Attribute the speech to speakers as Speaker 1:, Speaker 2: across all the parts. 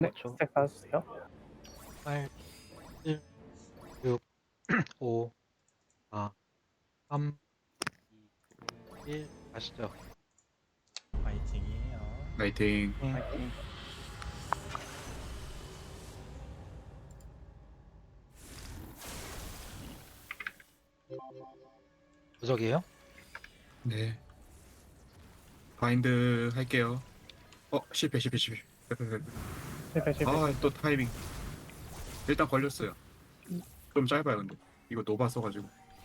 Speaker 1: 네,
Speaker 2: 그렇죠.
Speaker 1: 스택 쌓아주세요.
Speaker 2: 8, 7, 6, 5, 4, 3, 2, 1 가시죠.
Speaker 3: 파이팅이에요.
Speaker 4: 파이팅.
Speaker 1: 파이팅.
Speaker 2: 무적이에요?
Speaker 4: 네. 바인드 할게요. 실패.
Speaker 1: 실패, 실패.
Speaker 4: 또 타이밍. 일단 걸렸어요. 좀 짧아요, 근데. 이거 노바 써가지고.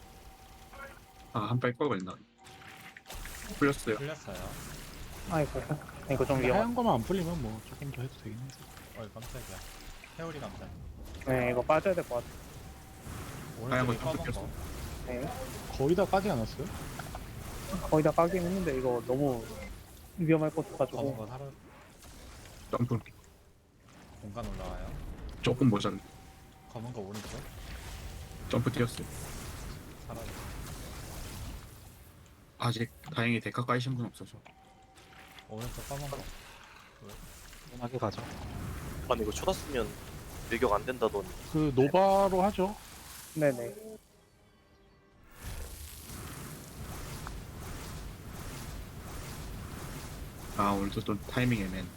Speaker 4: 한 발 걸렸나? 풀렸어요.
Speaker 3: 풀렸어요.
Speaker 1: 아이고, 이거 좀
Speaker 5: 근데
Speaker 1: 위험하.
Speaker 5: 하얀 거만 안 풀리면 뭐 조금 더 해도 되긴 해서.
Speaker 3: 어이 깜짝이야. 회오리 감자.
Speaker 1: 네, 이거 빠져야 될 것 같아.
Speaker 4: 하얀 거
Speaker 3: 오른쪽에
Speaker 4: 좀
Speaker 3: 검은 거.
Speaker 1: 네,
Speaker 5: 거의 다 까지 않았어요?
Speaker 1: 거의 다 까긴 했는데 이거 너무 위험할 것
Speaker 3: 검은
Speaker 1: 같아가지고.
Speaker 3: 거 사러
Speaker 4: 점프
Speaker 3: 공간 올라와요.
Speaker 4: 조금 모자른.
Speaker 3: 검은 거 오른쪽.
Speaker 4: 점프 뛰었어요.
Speaker 3: 사라져.
Speaker 4: 아직 다행히 데카 까이신 분 없어서.
Speaker 3: 오른쪽 검은 거.
Speaker 2: 편하게 가죠.
Speaker 6: 아니 이거 초다 쓰면 밀격 안 된다더니
Speaker 5: 그 노바로 하죠.
Speaker 1: 네네.
Speaker 4: 오늘도 또 타이밍 애맨.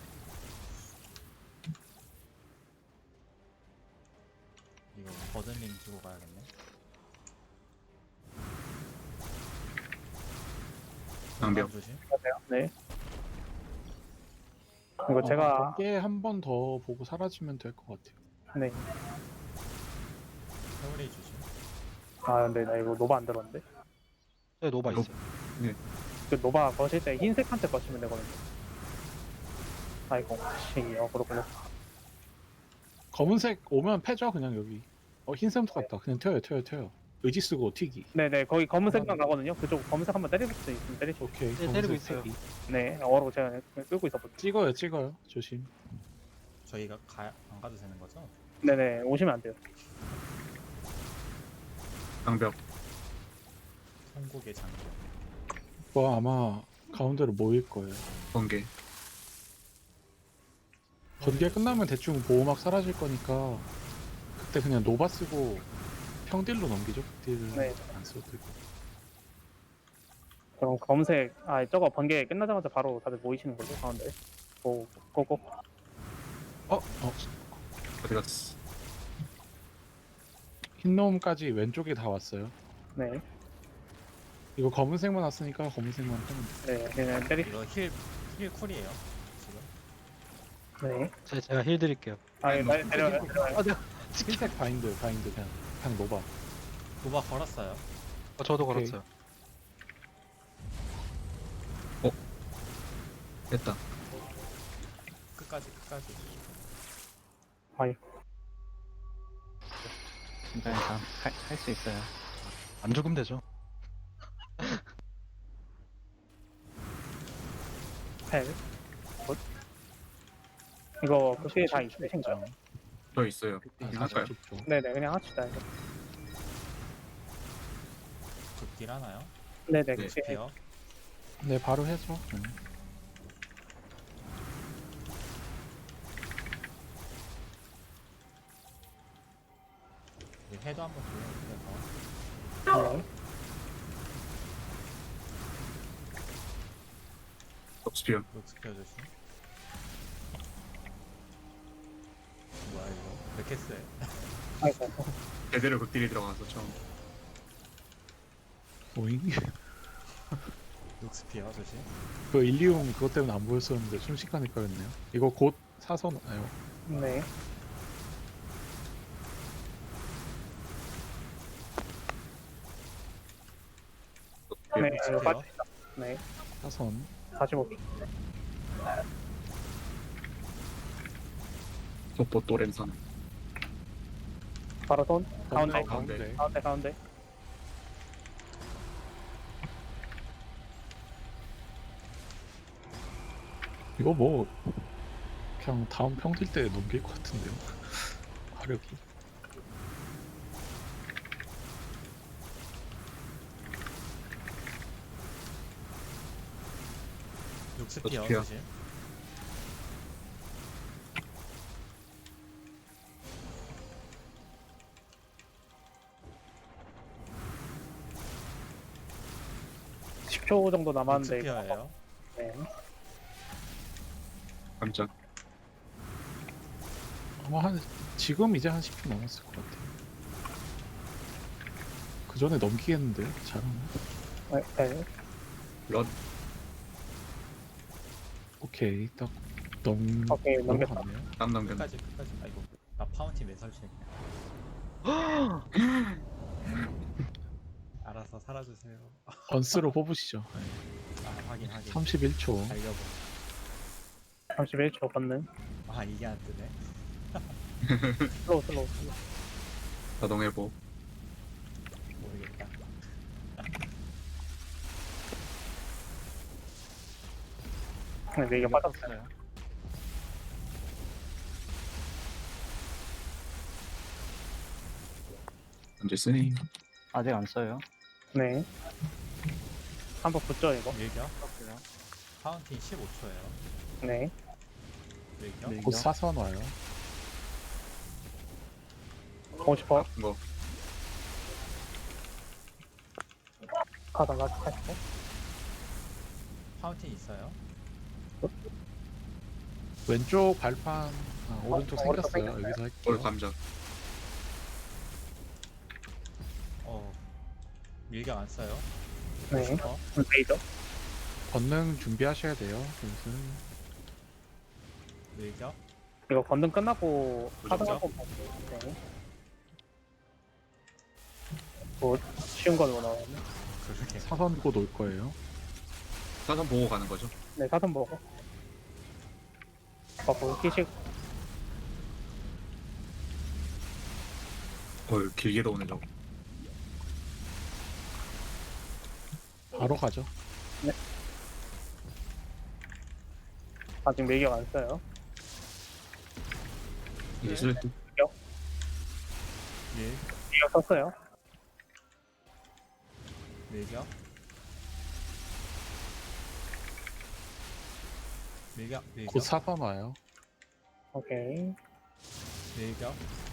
Speaker 3: 이거 버든링 주고 가야겠네.
Speaker 4: 방벽.
Speaker 3: 조심.
Speaker 1: 맞아요. 네. 이거 제가
Speaker 5: 번개 한 번 더 보고 사라지면 될 것 같아요.
Speaker 1: 네.
Speaker 3: 회오리 조심.
Speaker 1: 근데 나 이거 노바 안 들었는데.
Speaker 2: 네, 노바
Speaker 4: 노-
Speaker 2: 있어요.
Speaker 1: 그 노바 거실 때 흰색한테 거시면 되거든요. 아이고, 그렇군요.
Speaker 5: 검은색 오면 패죠 그냥 여기. 흰색부터 갔다. 그냥 튀어요. 의지 쓰고 튀기.
Speaker 1: 네네, 거기 검은색만 가거든요. 그쪽 검은색 한번 때릴 수 있으면 때리시고.
Speaker 5: 오케이.
Speaker 2: 네,
Speaker 5: 검은색
Speaker 2: 때리고 있어요.
Speaker 5: 튀기.
Speaker 1: 네, 어로 제가 끌고 있었거든요.
Speaker 5: 찍어요. 조심.
Speaker 3: 저희가 안 가도 되는 거죠?
Speaker 1: 네네, 오시면 안 돼요.
Speaker 4: 방벽.
Speaker 3: 성국의 장벽.
Speaker 5: 뭐 아마 가운데로 모일 거예요.
Speaker 4: 번개.
Speaker 5: 번개 끝나면 대충 보호막 사라질 거니까 그때 그냥 노바 쓰고 평딜로 넘기죠. 극딜을
Speaker 1: 네.
Speaker 5: 안 써도 되고.
Speaker 1: 그럼 검색, 저거 번개 끝나자마자 바로 다들 모이시는 걸로 가운데. 고고.
Speaker 4: 어디 갔어?
Speaker 5: 흰놈까지 왼쪽에 다 왔어요.
Speaker 1: 네,
Speaker 5: 이거 검은색만 왔으니까 검은색만 하면 돼.
Speaker 1: 네, 그냥 때리.
Speaker 3: 이거 힐 쿨이에요. 지금.
Speaker 1: 네.
Speaker 2: 제가 힐 드릴게요.
Speaker 1: 내려요.
Speaker 5: 흰색 바인드 그냥 노바.
Speaker 3: 도바 걸었어요.
Speaker 2: 저도
Speaker 5: 오케이.
Speaker 2: 걸었어요.
Speaker 4: 됐다.
Speaker 3: 끝까지.
Speaker 2: 괜찮아. 할 수 있어요. 안 죽으면 되죠.
Speaker 1: 펠. 이거 그게 다 있으신가요?
Speaker 4: 저 있어요. 할까요?
Speaker 1: 네네, 그냥 합시다. 이거.
Speaker 3: 극딜 하나요?
Speaker 1: 네네,
Speaker 4: 네.
Speaker 1: 그게
Speaker 3: 스피어.
Speaker 5: 네, 바로 해줘.
Speaker 3: 해도 한번 돌려주세요.
Speaker 1: 네.
Speaker 4: 덕스피어.
Speaker 3: 녹스피어 조심. 뭐야 이거? 왜 이렇게 세?
Speaker 1: 아이고,
Speaker 4: 제대로 극딜이 들어가서 처음.
Speaker 5: 오잉?
Speaker 3: 녹스피어 조심.
Speaker 5: 그 일리움 그것 때문에 안 보였었는데 순식간에 까였네요. 이거 곧 사서 나요.
Speaker 1: 네. 네, 이거
Speaker 3: 녹스피어.
Speaker 1: 빠집니다. 네,
Speaker 5: 사선.
Speaker 1: 45초.
Speaker 4: 속보 또 램선.
Speaker 1: 바로 손. 가운데.
Speaker 4: 가운데.
Speaker 1: 가운데.
Speaker 5: 이거 뭐 그냥 다음 평딜 때 넘길 것 같은데요. 화력이.
Speaker 3: 녹스피어
Speaker 4: 녹스피어.
Speaker 3: 조심.
Speaker 1: 10초 정도 남았는데.
Speaker 3: 익스피어예요.
Speaker 1: 네.
Speaker 4: 깜짝.
Speaker 5: 아마 한 지금 이제 한 10분 남았을 것 같아요. 그 전에 넘기겠는데요? 잘하네.
Speaker 1: 네.
Speaker 4: 런.
Speaker 5: 오케이, 딱
Speaker 1: 오케이, 넘겼다.
Speaker 5: 넘어갔네요.
Speaker 4: 땀 남겼네.
Speaker 3: 끝까지. 아이고, 나 파운틴 왜 설치했냐. 알아서 살아주세요.
Speaker 5: 번스로 뽑으시죠.
Speaker 3: 아, 확인.
Speaker 5: 31초.
Speaker 3: 달려보.
Speaker 1: 31초 걷는.
Speaker 3: 아, 이게 안 뜨네.
Speaker 1: 슬로우.
Speaker 4: 자동회복.
Speaker 3: 모르겠다.
Speaker 1: 네, 이게 빠졌어요.
Speaker 2: 떴어요.
Speaker 4: 언제 쓰니?
Speaker 2: 아직 안 써요.
Speaker 1: 네. 한번 붙죠, 이거?
Speaker 3: 밀격.
Speaker 2: 떴어요.
Speaker 3: 파운틴 15초예요.
Speaker 1: 네.
Speaker 3: 밀격.
Speaker 2: 밀격.
Speaker 5: 곧 사선 와요.
Speaker 1: 50%.
Speaker 4: 이거
Speaker 1: 가다가 80%.
Speaker 3: 파운틴 있어요.
Speaker 5: 왼쪽 발판, 오른쪽
Speaker 1: 오른쪽
Speaker 5: 생겼어요.
Speaker 1: 생겼어요.
Speaker 5: 여기서
Speaker 4: 올
Speaker 5: 할게요.
Speaker 4: 감자.
Speaker 3: 밀격 안 써요.
Speaker 1: 네.
Speaker 3: 슈퍼.
Speaker 1: 레이저.
Speaker 5: 권능 준비하셔야 돼요. 그래서
Speaker 3: 밀격.
Speaker 1: 이거 건능 끝나고
Speaker 4: 무조건.
Speaker 1: 하다하고 네. 뭐 쉬운 걸로 나왔네.
Speaker 3: 그러게.
Speaker 5: 사선 곧 올 거예요.
Speaker 4: 사선 보고 가는 거죠.
Speaker 1: 네, 사선 먹어. 뭐 끼식.
Speaker 4: 길게도 오네 저거.
Speaker 5: 바로 가죠.
Speaker 1: 아직 매격 안 써요.
Speaker 4: 이제 쓸 듯.
Speaker 3: 밀.
Speaker 1: 매격 썼어요.
Speaker 3: 밀격.
Speaker 5: 곧 사선 와요.
Speaker 1: 오케이.
Speaker 3: 밀격.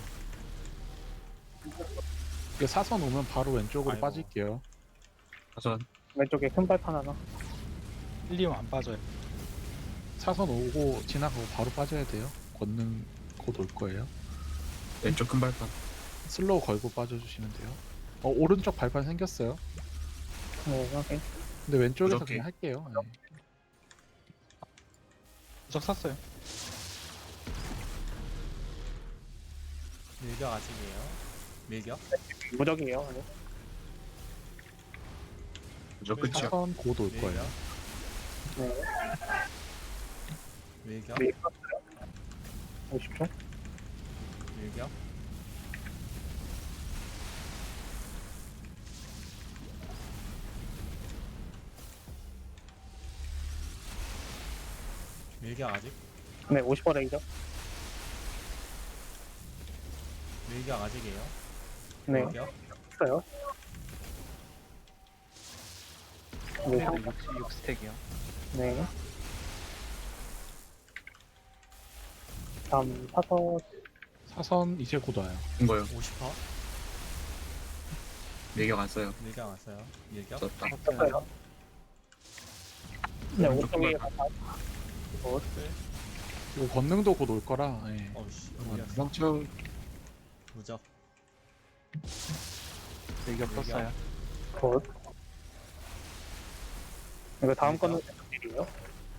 Speaker 5: 이게 사선 오면 바로 왼쪽으로
Speaker 3: 아이고.
Speaker 5: 빠질게요.
Speaker 4: 사선.
Speaker 1: 왼쪽에 큰 발판 하나.
Speaker 2: 1, 2면 안 빠져요.
Speaker 5: 사선 오고 지나가고 바로 빠져야 돼요. 권능 곧 올 거예요.
Speaker 4: 왼쪽 큰 발판.
Speaker 5: 슬로우 걸고 빠져주시면 돼요. 오른쪽 발판 생겼어요.
Speaker 1: 네, 오케이.
Speaker 5: 근데 왼쪽에서
Speaker 4: 무적기.
Speaker 5: 그냥 할게요. 네.
Speaker 2: 무적 샀어요.
Speaker 3: 밀격 아직이에요. 밀격.
Speaker 1: 무적이에요. 네.
Speaker 4: 저 끝이야.
Speaker 5: 사선 곧 올 거예요.
Speaker 3: 밀격.
Speaker 1: 네.
Speaker 3: 밀격.
Speaker 1: 매격 썼어요. 50초.
Speaker 3: 밀격. 밀격 아직.
Speaker 1: 네, 50% 레이저.
Speaker 3: 밀격 아직이에요.
Speaker 1: 네,
Speaker 3: 밀격.
Speaker 1: 썼어요. 네,
Speaker 2: 66스택이요.
Speaker 1: 네. 다음 사선.
Speaker 5: 사선 이제 곧 와요.
Speaker 4: 온 거요.
Speaker 3: 50%.
Speaker 4: 매격 안 써요.
Speaker 3: 밀격 왔어요. 밀격.
Speaker 4: 썼다.
Speaker 1: 썼어요. 네,
Speaker 4: 왼쪽 큰
Speaker 1: 오른쪽에
Speaker 4: 발판.
Speaker 1: 발판. 뭐,
Speaker 5: 이거 권능도 곧 올 거라. 예.
Speaker 3: 어우씨.
Speaker 4: 상처.
Speaker 3: 무적.
Speaker 2: 밀격
Speaker 3: 밀격.
Speaker 2: 떴어요.
Speaker 1: 곧. 이거 다음
Speaker 3: 밀격.
Speaker 1: 거는 일이에요.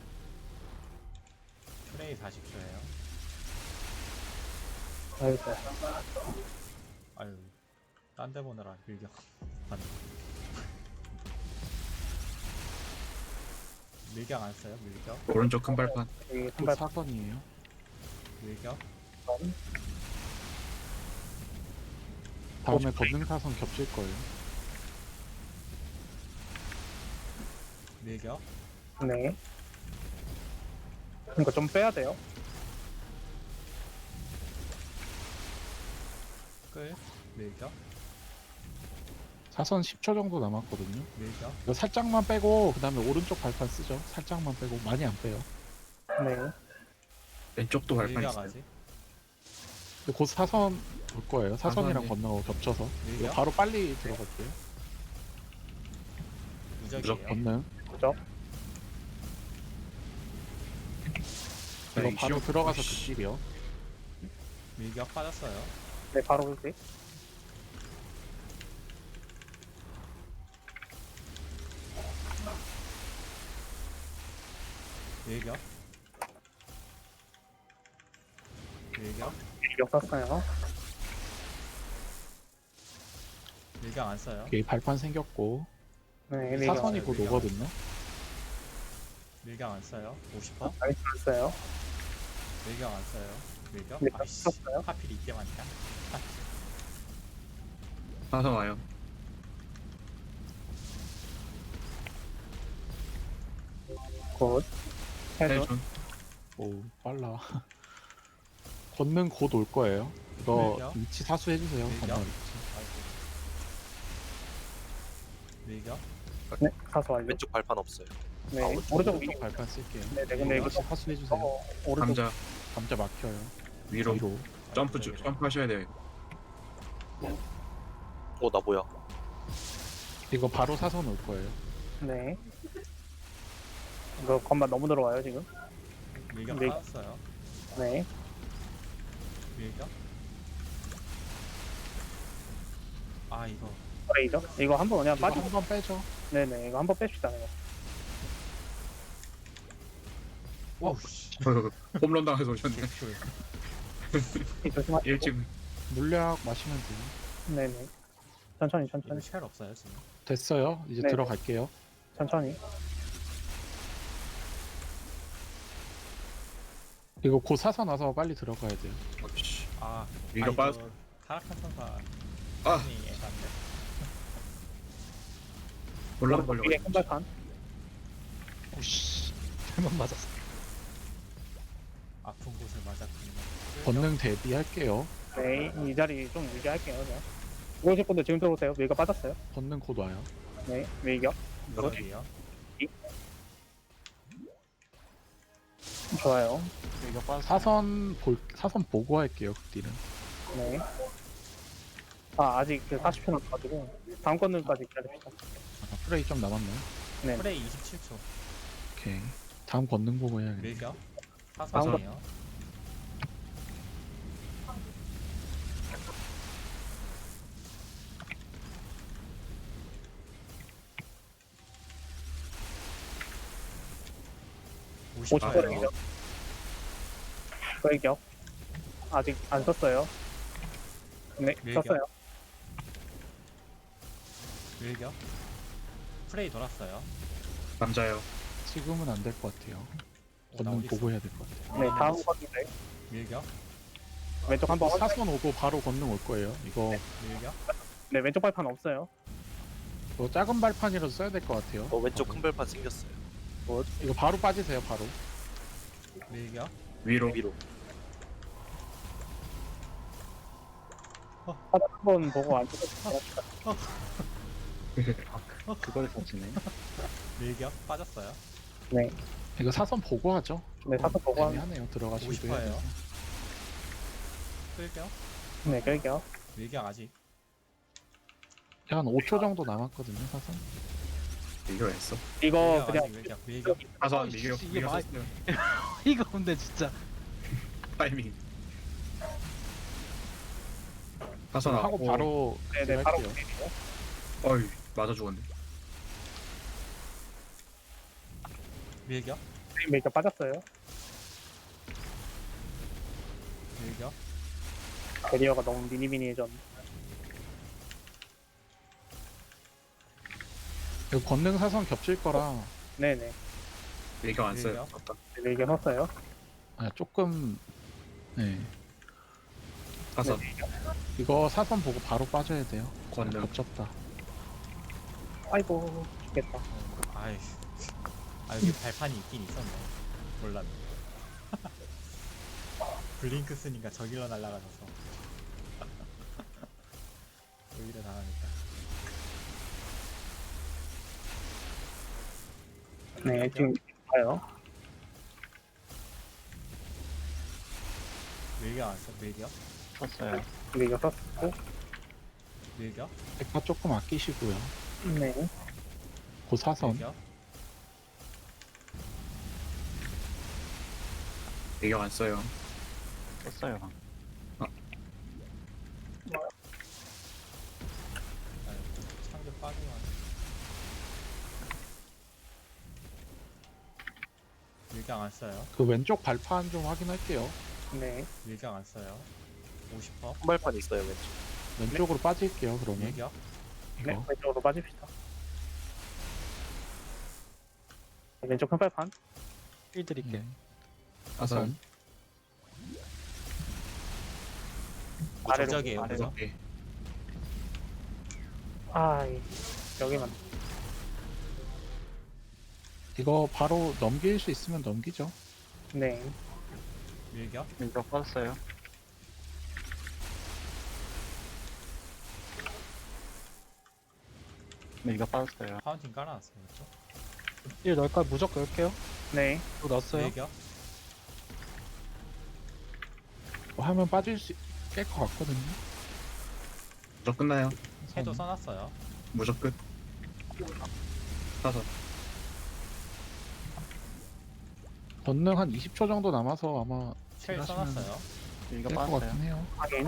Speaker 3: 프레이 40초예요.
Speaker 1: 아이고.
Speaker 3: 아유. 딴 데 보느라 밀격. 안 돼. 밀격 안 써요. 밀격.
Speaker 4: 오른쪽 큰 발판.
Speaker 1: 여기 큰
Speaker 5: 곧
Speaker 1: 발판.
Speaker 5: 사선이에요.
Speaker 3: 밀격.
Speaker 5: 다음에 권능 사선 겹칠 거예요.
Speaker 3: 밀격.
Speaker 1: 네. 이거 좀 빼야 돼요.
Speaker 3: 끌. 밀격.
Speaker 5: 사선 10초 정도 남았거든요.
Speaker 3: 밀격.
Speaker 5: 이거 살짝만 빼고 그 다음에 오른쪽 발판 쓰죠. 살짝만 빼고 많이 안 빼요.
Speaker 1: 네.
Speaker 4: 왼쪽도 발판
Speaker 3: 밀격
Speaker 4: 있어요.
Speaker 3: 아직.
Speaker 5: 근데 곧 사선 올 거예요. 사선이랑
Speaker 4: 사선이.
Speaker 5: 건너고 겹쳐서. 이거
Speaker 3: 밀격.
Speaker 5: 바로 빨리 들어갈게요.
Speaker 3: 무적이에요.
Speaker 5: 건능.
Speaker 1: 그죠?
Speaker 5: 이거
Speaker 4: 이
Speaker 5: 바로
Speaker 4: 시험-
Speaker 5: 들어가서
Speaker 4: 어이씨.
Speaker 5: 극딜이요.
Speaker 3: 밀격 빠졌어요.
Speaker 1: 네, 바로 그렇게.
Speaker 3: 밀격. 밀격.
Speaker 1: 밀격 썼어요.
Speaker 3: 밀격 안 써요.
Speaker 5: 오케이, 발판 생겼고.
Speaker 1: 네, 밀격.
Speaker 5: 사선이 곧
Speaker 3: 밀격.
Speaker 5: 오거든요.
Speaker 3: 밀격 안 써요. 50%.
Speaker 1: 나이스 썼어요.
Speaker 3: 밀격 안 써요. 밀격.
Speaker 1: 밀격
Speaker 3: 아이씨.
Speaker 1: 썼어요.
Speaker 3: 하필 이때 맞다.
Speaker 4: 사선 와요.
Speaker 1: 굿. 해줘.
Speaker 4: 해준.
Speaker 5: 오, 빨라. 건능 곧 올 거예요. 이거
Speaker 3: 밀격.
Speaker 5: 위치 사수해주세요.
Speaker 3: 밀격.
Speaker 5: 건능 위치.
Speaker 3: 아이고. 밀격.
Speaker 1: 네, 사수 완료.
Speaker 6: 왼쪽 발판 없어요.
Speaker 1: 네,
Speaker 6: 아,
Speaker 1: 오른쪽
Speaker 5: 오른쪽
Speaker 1: 위쪽.
Speaker 5: 발판 쓸게요.
Speaker 1: 네, 네, 근데 이거
Speaker 5: 위치 사수해주세요.
Speaker 1: 오른쪽.
Speaker 4: 감자
Speaker 5: 감자 막혀요.
Speaker 4: 위로
Speaker 5: 위로.
Speaker 4: 점프 점프하셔야 돼요.
Speaker 6: 나 뭐야?
Speaker 5: 이거 바로 사선 올 거예요.
Speaker 1: 네. 이거 건반 너무 들어와요 지금.
Speaker 3: 밀격
Speaker 1: 밀-
Speaker 3: 빠졌어요.
Speaker 1: 네.
Speaker 3: 밀격. 아 이거
Speaker 1: 레이저. 이거 한번 그냥
Speaker 5: 이거
Speaker 1: 빠지고.
Speaker 5: 한번 빼죠.
Speaker 1: 네네. 이거 한번 뺍시다. 이거.
Speaker 3: 오우씨.
Speaker 4: 홈런 당해서 오셨네.
Speaker 1: 조심하시고.
Speaker 4: 일찍
Speaker 5: 물약 마시면 돼요.
Speaker 1: 네네. 천천히
Speaker 3: 이거
Speaker 1: 천천히
Speaker 3: 쉘 없어요 지금.
Speaker 5: 됐어요. 이제
Speaker 1: 네.
Speaker 5: 들어갈게요.
Speaker 1: 천천히.
Speaker 5: 이거 곧 사선 와서 빨리 들어가야 돼요.
Speaker 4: 어이씨.
Speaker 3: 아
Speaker 4: 밀격
Speaker 3: 이거
Speaker 4: 빠졌.
Speaker 3: 타락한 선사.
Speaker 4: 아
Speaker 3: 아니 애간데.
Speaker 4: 올라가
Speaker 1: 오른쪽
Speaker 4: 걸려.
Speaker 1: 위에 큰 발판.
Speaker 5: 오씨. 잘못 맞았어.
Speaker 3: 아픈 곳을 맞았군요.
Speaker 5: 권능 대비할게요.
Speaker 1: 네. 이 자리 좀 유지할게요. 그냥. 오실 분들 지금 들어오세요. 밀가 빠졌어요.
Speaker 5: 권능 곧 와요.
Speaker 1: 네. 밀격.
Speaker 3: 무적이에요.
Speaker 1: 좋아요.
Speaker 5: 사선 보고 할게요. 극딜은.
Speaker 1: 네. 아 아직 그 40초 남아가지고 다음 건능까지 기다립시다.
Speaker 5: 프레이 좀 남았나요?
Speaker 1: 네.
Speaker 3: 프레이 27초.
Speaker 5: 오케이. 다음 권능 보고 해야겠네.
Speaker 3: 밀격. 사선이에요.
Speaker 1: 오십
Speaker 3: 50%예요.
Speaker 1: 퍼센트죠. 끌격. 아직 안 썼어요. 네.
Speaker 3: 밀격.
Speaker 1: 썼어요.
Speaker 3: 밀격. 프레이 돌았어요.
Speaker 4: 남자요.
Speaker 5: 지금은 안 될 것 같아요.
Speaker 3: 나
Speaker 5: 권능
Speaker 3: 어디
Speaker 5: 보고
Speaker 3: 있어?
Speaker 5: 해야 될 것 같아요.
Speaker 1: 네. 다음 건능
Speaker 3: 밀격.
Speaker 1: 왼쪽 한번 확인.
Speaker 5: 사선 오고 바로 권능 올 거예요. 이거
Speaker 3: 밀격.
Speaker 1: 네. 왼쪽 발판 없어요.
Speaker 5: 이거 작은 발판이라도 써야 될 것 같아요.
Speaker 6: 왼쪽 큰 발판 생겼어요.
Speaker 5: 이거 바로 빠지세요. 바로.
Speaker 3: 밀격.
Speaker 4: 위로.
Speaker 6: 위로.
Speaker 1: 바닥 한번 보고 안 썼어요.
Speaker 2: 그걸 썼지네.
Speaker 3: 밀격. 빠졌어요.
Speaker 1: 네.
Speaker 5: 이거 사선 보고 하죠.
Speaker 1: 네. 사선 보고 하면.
Speaker 5: 애매하네요. 들어가시기도
Speaker 3: 50%
Speaker 5: 해야
Speaker 3: 예요.
Speaker 5: 돼서.
Speaker 3: 끌격.
Speaker 1: 네. 끌격.
Speaker 3: 밀격 아직.
Speaker 5: 한 5초 정도 남았거든요. 사선.
Speaker 4: 이거 했어.
Speaker 1: 이거
Speaker 3: 밀격
Speaker 1: 그냥
Speaker 3: 아직 밀격. 밀격.
Speaker 4: 사선 미기력
Speaker 2: 이게
Speaker 4: 미기력
Speaker 2: 말-
Speaker 4: 썼어요.
Speaker 2: 이거 근데 진짜.
Speaker 4: 타이밍. 사선 와.
Speaker 5: 하고 바로
Speaker 1: 네네 바로
Speaker 5: 할게요.
Speaker 1: 끌게요.
Speaker 4: 어이 맞아 죽었네.
Speaker 3: 밀격.
Speaker 1: 밀격 빠졌어요.
Speaker 3: 밀격.
Speaker 1: 베리어가 너무 미니미니해졌네.
Speaker 5: 이거 권능 사선 겹칠 거라
Speaker 1: 네네.
Speaker 4: 밀격 안 써요.
Speaker 3: 밀격.
Speaker 4: 아까.
Speaker 1: 네, 밀격 썼어요.
Speaker 5: 조금 네.
Speaker 4: 사선
Speaker 5: 이거 사선 보고 바로 빠져야 돼요.
Speaker 4: 권능.
Speaker 5: 겹쳤다.
Speaker 1: 아이고 죽겠다.
Speaker 3: 아이. 아 여기 발판이 있긴 있었네. 몰랐네. 블링크 쓰니까 저길로 날아가셔서. 오히려 당하겠다.
Speaker 1: 네 지금 가요.
Speaker 3: 밀격 안 써. 밀격.
Speaker 2: 썼어요.
Speaker 1: 밀격 썼고.
Speaker 3: 밀격.
Speaker 5: 백파 조금 아끼시고요.
Speaker 1: 네.
Speaker 5: 사선.
Speaker 3: 밀격.
Speaker 4: 밀격 안 써요.
Speaker 2: 썼어요 방금.
Speaker 3: 창조 빠지면 밀격 안 써요.
Speaker 5: 그 왼쪽 발판 좀 확인할게요.
Speaker 1: 네.
Speaker 3: 밀격 안 써요. 50%.
Speaker 6: 한발판 있어요 왼쪽.
Speaker 5: 왼쪽으로 빠질게요. 그러면
Speaker 3: 밀격.
Speaker 1: 네.
Speaker 5: 이거
Speaker 1: 왼쪽으로 빠집시다. 왼쪽 큰 발판.
Speaker 7: 힐 드릴게요.
Speaker 4: 사선.
Speaker 1: 아래로.
Speaker 3: 무적이에요.
Speaker 2: 아래로.
Speaker 3: 무적.
Speaker 4: 네.
Speaker 1: 아, 여기만.
Speaker 5: 이거 바로 넘길 수 있으면 넘기죠.
Speaker 1: 네.
Speaker 3: 밀격.
Speaker 2: 밀격 빠졌어요. 밀격 빠졌어요.
Speaker 3: 파운틴 깔아놨어요. 그렇죠?
Speaker 7: 힐 넣을까요? 무적 넣을게요.
Speaker 1: 네.
Speaker 7: 또 넣었어요.
Speaker 3: 밀격.
Speaker 5: 뭐 하면 빠질 수 깰 것 같거든요.
Speaker 4: 무적 끝나요.
Speaker 3: 해도 써놨어요.
Speaker 4: 무적 끝. 사선.
Speaker 5: 권능 한 20초 정도 남아서 아마
Speaker 3: 쉘
Speaker 5: 하시면
Speaker 3: 써놨어요.
Speaker 2: 밀격
Speaker 5: 깰 것
Speaker 2: 빠졌어요.
Speaker 5: 같긴 해요.
Speaker 1: 확인.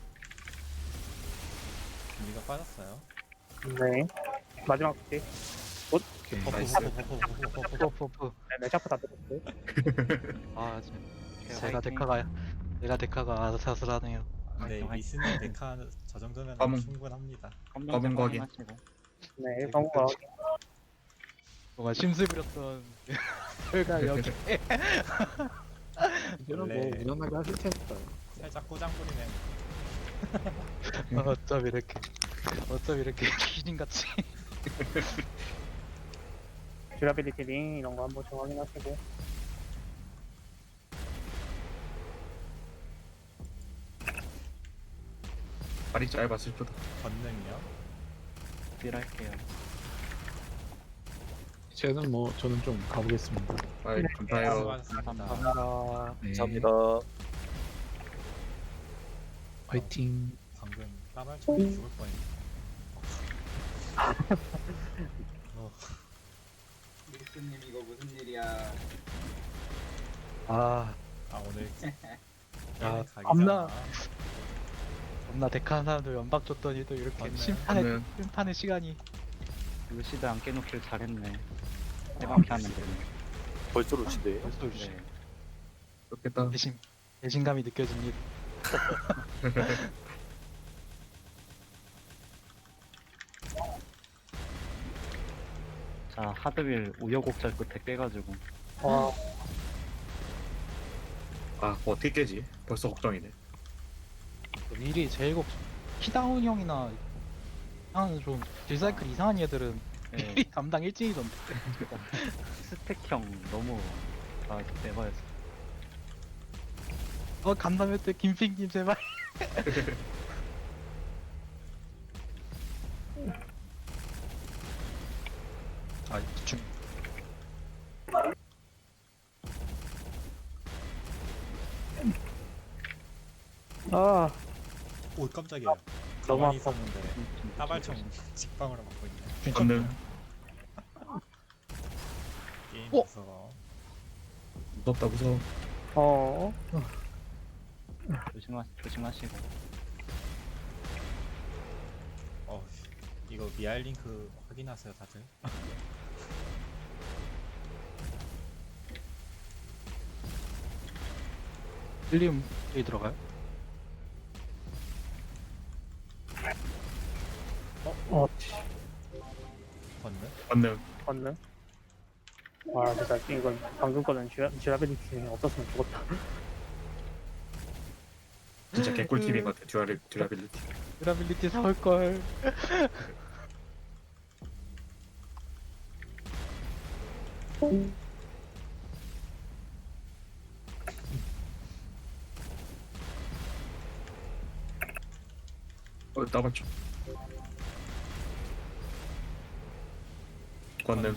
Speaker 3: 밀격 빠졌어요.
Speaker 1: 네. 마지막 게
Speaker 5: 오케이.
Speaker 4: 나이스.
Speaker 7: 푸푸푸.
Speaker 1: 네, 샤프 다 들었어요.
Speaker 7: 아,
Speaker 2: 오케이,
Speaker 7: 제가
Speaker 2: 화이팅.
Speaker 7: 내가 데카가 아슬아슬하네요.
Speaker 3: 네,
Speaker 2: 화이팅,
Speaker 3: 미스는 데카 저 정도면
Speaker 4: 검은-
Speaker 3: 충분합니다.
Speaker 4: 검은 거기.
Speaker 2: 확인하시고.
Speaker 1: 네. 방구가
Speaker 7: 뭔가 심술 부렸던 결과 여기.
Speaker 5: 이제는 뭐
Speaker 3: 원래-
Speaker 5: 무난하게 하실 테니까요.
Speaker 3: 살짝 꼬장 부리네.
Speaker 7: 어쩜 이렇게 귀신같이.
Speaker 1: 듀라빌리티 링 이런 거 한번 좀 확인하시고.
Speaker 4: 발이 짧았을 뿐.
Speaker 3: 권능이요.
Speaker 2: 딜할게요.
Speaker 5: 이제는 뭐 저는 좀 가보겠습니다.
Speaker 4: 아이 감사해요.
Speaker 3: 수고하셨습니다.
Speaker 7: 감사합니다.
Speaker 4: 네.
Speaker 6: 감사합니다.
Speaker 5: 화이팅.
Speaker 3: 방금 까발총이 죽을 뻔했네.
Speaker 8: 미스님 이거 무슨 일이야?
Speaker 7: 아,
Speaker 3: 오늘
Speaker 7: 야,
Speaker 3: 가기
Speaker 7: 겁나-
Speaker 3: 전에
Speaker 7: 겁나 데카 한 사람들 연박 줬더니 또 이렇게
Speaker 3: 맞네.
Speaker 7: 심판의 시간이.
Speaker 2: 루시드 안 깨놓길 잘했네. 해방피 하면 되네.
Speaker 6: 벌써 루시드예요.
Speaker 7: 벌써
Speaker 2: 네.
Speaker 4: 좋겠다.
Speaker 7: 배신감이 느껴집니다.
Speaker 2: 자 하드윌 우여곡절 끝에 깨가지고
Speaker 1: 와,
Speaker 4: 아 그거 어떻게 깨지? 벌써 걱정이네.
Speaker 7: 미리 제일 키다운 형이나 하는 좀 딜사이클 이상한 얘들은
Speaker 2: 네,
Speaker 7: 미리 담당 일진이던데.
Speaker 2: 스택형 너무 다 내봐였어.
Speaker 7: 간담회 때 김핑님 제발. 아, 중.
Speaker 1: 아,
Speaker 3: 오 깜짝이야.
Speaker 1: 너무
Speaker 3: 가만히
Speaker 1: 아파.
Speaker 3: 있었는데 따발총 직방으로 맞고 있네.
Speaker 4: 권능
Speaker 3: 게임
Speaker 7: 어?
Speaker 3: 무서워.
Speaker 4: 무섭다 무서워.
Speaker 1: 어,
Speaker 2: 조심하시고.
Speaker 3: 이거 미알 링크 확인하세요 다들.
Speaker 7: 힐리움 여기 들어가요?
Speaker 1: 어,
Speaker 3: 권능?
Speaker 4: 권능.
Speaker 1: 건능. 와, 진짜 이건 방금 거는 듀라빌리티 링 없었으면 죽었다.
Speaker 4: 진짜 개꿀팁인 것 같아. 듀라빌리티.
Speaker 7: 듀라빌리티 사올걸.
Speaker 4: 따발총. 권능.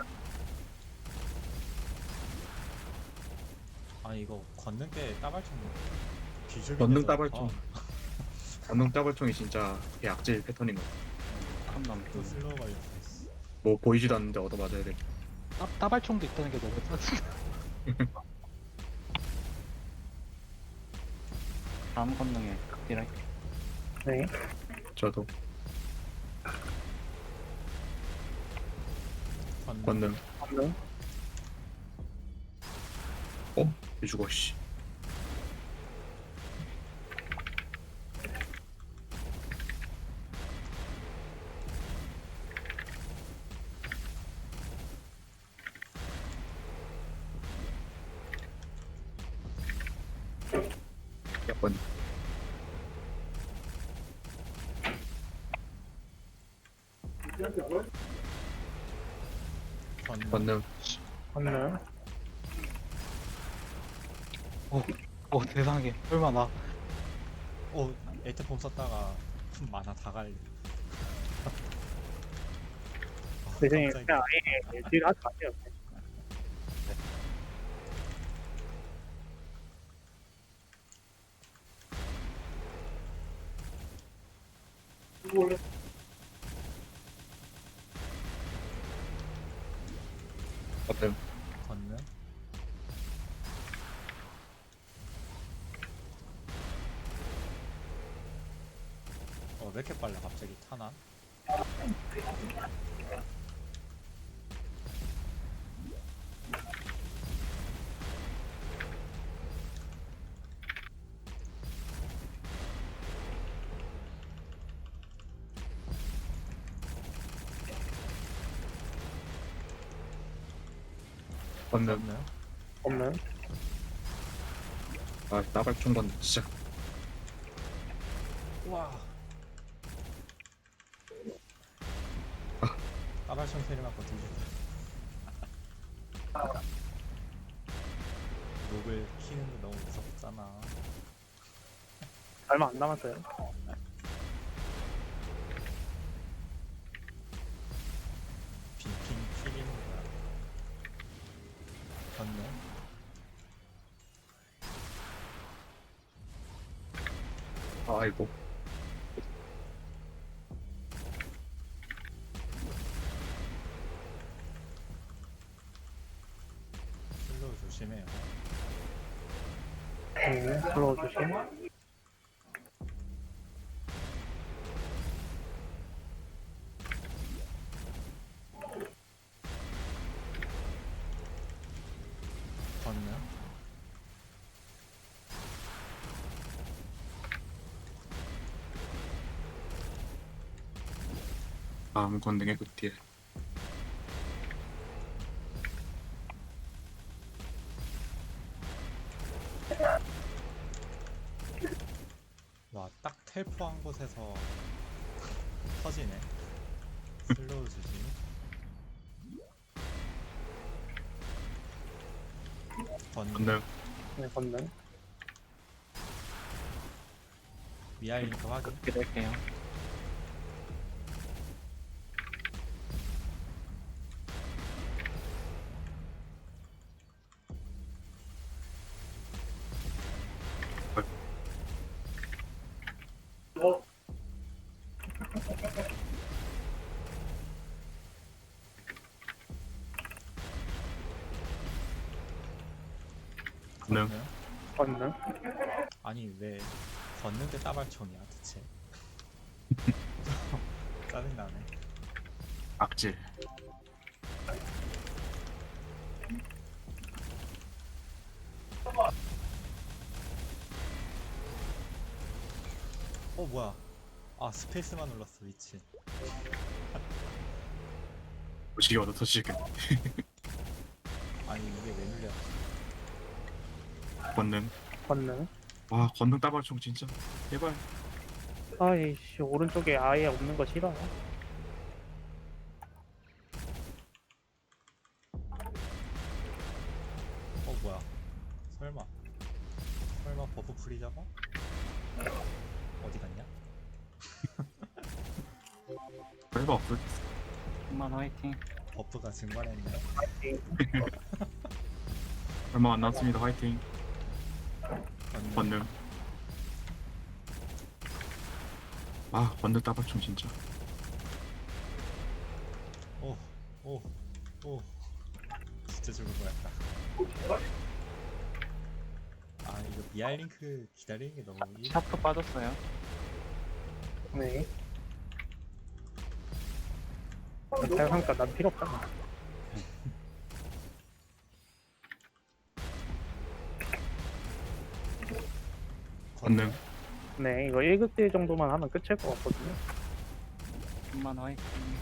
Speaker 3: 아 이거 권능 때 따발총 비주얼.
Speaker 4: 권능 따발총. 권능 따발총이 진짜 개 악질 패턴인 것 같아.
Speaker 2: 한 남.
Speaker 3: 또 슬로우가 이렇게.
Speaker 4: 뭐 보이지도 않는데 얻어 맞아야 돼.
Speaker 7: 따발총도 있다는 게 너무 짜증.
Speaker 2: 다음 건능에 극딜할게.
Speaker 1: 네.
Speaker 4: 저도
Speaker 3: 건능.
Speaker 4: 권능.
Speaker 1: 건능.
Speaker 4: 이 죽어 씨. 약간
Speaker 3: 건능.
Speaker 4: 권능.
Speaker 1: 건능.
Speaker 7: 세상에. 설마 나.
Speaker 3: 오, 에이트폼 썼다가 만화 다 갈리.
Speaker 1: 대신에
Speaker 3: 갑자기.
Speaker 1: 그냥 아예 딜 하지 마세요.
Speaker 4: 권능.
Speaker 3: 건능. 왜 이렇게 빨라 갑자기 타나?
Speaker 4: 권능.
Speaker 3: 건능.
Speaker 1: 건능.
Speaker 4: 아 나발총 권능 진짜.
Speaker 3: 우와. 까발총 소리 맞고 뒤졌다. 녹을 키는데 너무 무섭잖아.
Speaker 1: 얼마 안 남았어요.
Speaker 3: 빙빙 튀기는 거야. 건능.
Speaker 4: 아이고.
Speaker 3: 슬로우 조심해요.
Speaker 1: 네. 들어오 주심.
Speaker 3: 건능.
Speaker 4: 다음 권능의 극딜.
Speaker 3: 와, 딱 텔포한 곳에서 터지네. 슬로우 조심. 건능.
Speaker 4: 권능.
Speaker 1: 네, 건능.
Speaker 3: 미아일링크 확인.
Speaker 2: 극딜할게요.
Speaker 4: 권능.
Speaker 1: 건능.
Speaker 3: 아니 왜 걷는 데 따발총이야 대체? 짜증나네.
Speaker 4: 악질.
Speaker 3: 뭐야? 아 스페이스만 눌렀어 미친.
Speaker 4: 무식이 얻어 터지겠네.
Speaker 3: 아니 이게 왜 눌려?
Speaker 4: 권능.
Speaker 1: 건능.
Speaker 4: 와 권능 따발총 진짜. 제발.
Speaker 1: 아이씨, 오른쪽에 아예 없는 거 싫어요.
Speaker 3: 뭐야? 설마 버프 프리 잡아? 어디 갔냐?
Speaker 4: 별거 없을.
Speaker 2: 한번 화이팅.
Speaker 3: 버프가 증발했네.
Speaker 4: 얼마 안 남았습니다. 화이팅.
Speaker 3: 걷는.
Speaker 4: 권능. 아 권능 따발총 진짜.
Speaker 3: 오, 오. 진짜 죽을 뻔했다. 아 이거 미아링크 기다리는 게 너무
Speaker 2: 샤프 빠졌어요.
Speaker 1: 네. 자연상가 난 필요 없잖아.
Speaker 4: 건능.
Speaker 1: 네, 이거 1극딜 정도만 하면 끝일 것 같거든요.
Speaker 2: 천만 화이팅.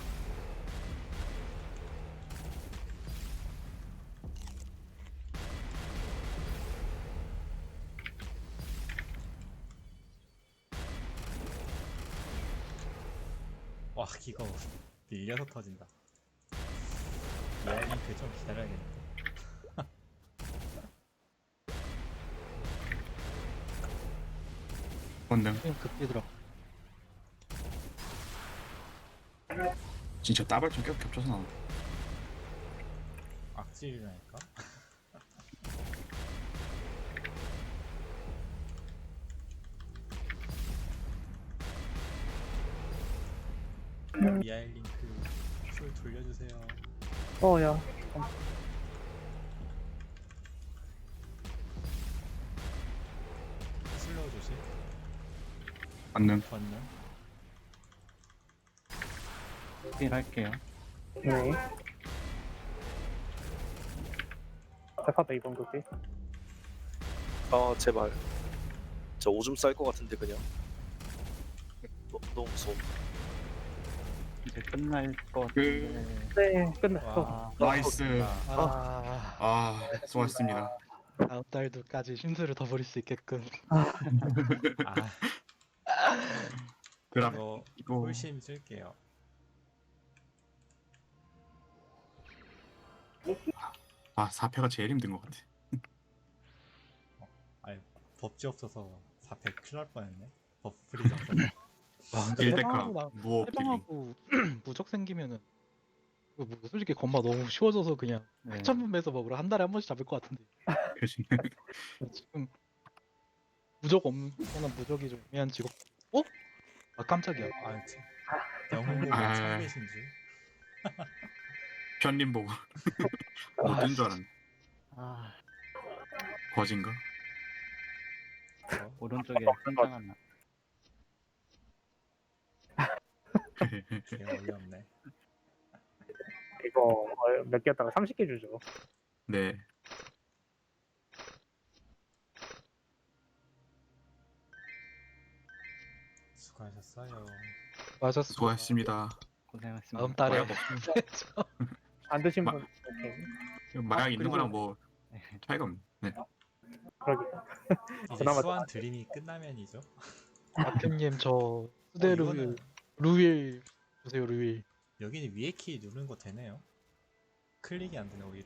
Speaker 3: 와 이거 밀려서 터진다. 미아링크 좀 기다려야겠는데.
Speaker 4: 건능.
Speaker 7: 게임 급히 들어.
Speaker 4: 진짜 따발총 계속 겹쳐서 나와.
Speaker 3: 악질이라니까. 미아일링크 술 돌려주세요.
Speaker 1: 야.
Speaker 3: 슬로우 조심.
Speaker 4: 건능.
Speaker 3: 건능.
Speaker 2: 딜 할게요.
Speaker 1: 네. 대파다 이번 극딜.
Speaker 6: 아 제발. 저 오줌 쌀 것 같은데 그냥. 너무 무서워.
Speaker 2: 이제 끝날 것
Speaker 4: 그-
Speaker 2: 같은데.
Speaker 1: 네, 끝났어.
Speaker 2: 와,
Speaker 4: 나이스.
Speaker 7: 아,
Speaker 4: 아, 수고하셨습니다.
Speaker 7: 다음 달도까지 심술을 더 부릴 수 있게끔.
Speaker 3: 아
Speaker 4: 드랍.
Speaker 3: 이거
Speaker 4: 이거
Speaker 3: 홀심 쓸게요.
Speaker 4: 아 4패가 제일 힘든 것 같아.
Speaker 3: 아니 법지 없어서 4패 큰일 날 뻔했네. 버프 프리즈 없어서.
Speaker 7: 와, 근데
Speaker 4: 1대카
Speaker 7: 해방하고
Speaker 4: 무업 딜링.
Speaker 7: 해방하고 무적 생기면은 이거 뭐 솔직히 건마 너무 쉬워져서 그냥
Speaker 2: 네.
Speaker 7: 천분배에서 먹으러 한 달에 한 번씩 잡을 것 같은데
Speaker 4: 그치.
Speaker 7: 지금 무적 없는 무적이 좀 애매한 직업. 어? 아 깜짝이야.
Speaker 3: 아 참. 영웅 보고
Speaker 4: 아.
Speaker 3: 참계신 줄.
Speaker 4: 편님 보고 못된 줄 알았네.
Speaker 2: 아,
Speaker 4: 거진가?
Speaker 2: 오른쪽에 한장 하나.
Speaker 3: 개 어이없네.
Speaker 1: 이거 몇 개 했다가 30개 주죠.
Speaker 4: 네.
Speaker 3: 수고하셨어요.
Speaker 7: 맞았어.
Speaker 4: 수고하셨습니다.
Speaker 2: 고생하셨습니다.
Speaker 7: 다음 달에
Speaker 4: 마약
Speaker 1: 안 드신
Speaker 4: 마-
Speaker 1: 분, 오케이.
Speaker 4: 마약 있는
Speaker 1: 그리고-
Speaker 4: 거랑 뭐 차이가 없네. 네.
Speaker 1: 그러게.
Speaker 3: 이제
Speaker 1: 그나마
Speaker 3: 수완 드림이 끝나면이죠.
Speaker 7: 아편님 저 수대
Speaker 3: 이거는
Speaker 7: 루윌 주세요 루윌.
Speaker 3: 여기는 위에 키 누르는 거 되네요. 클릭이 안 되네. 우리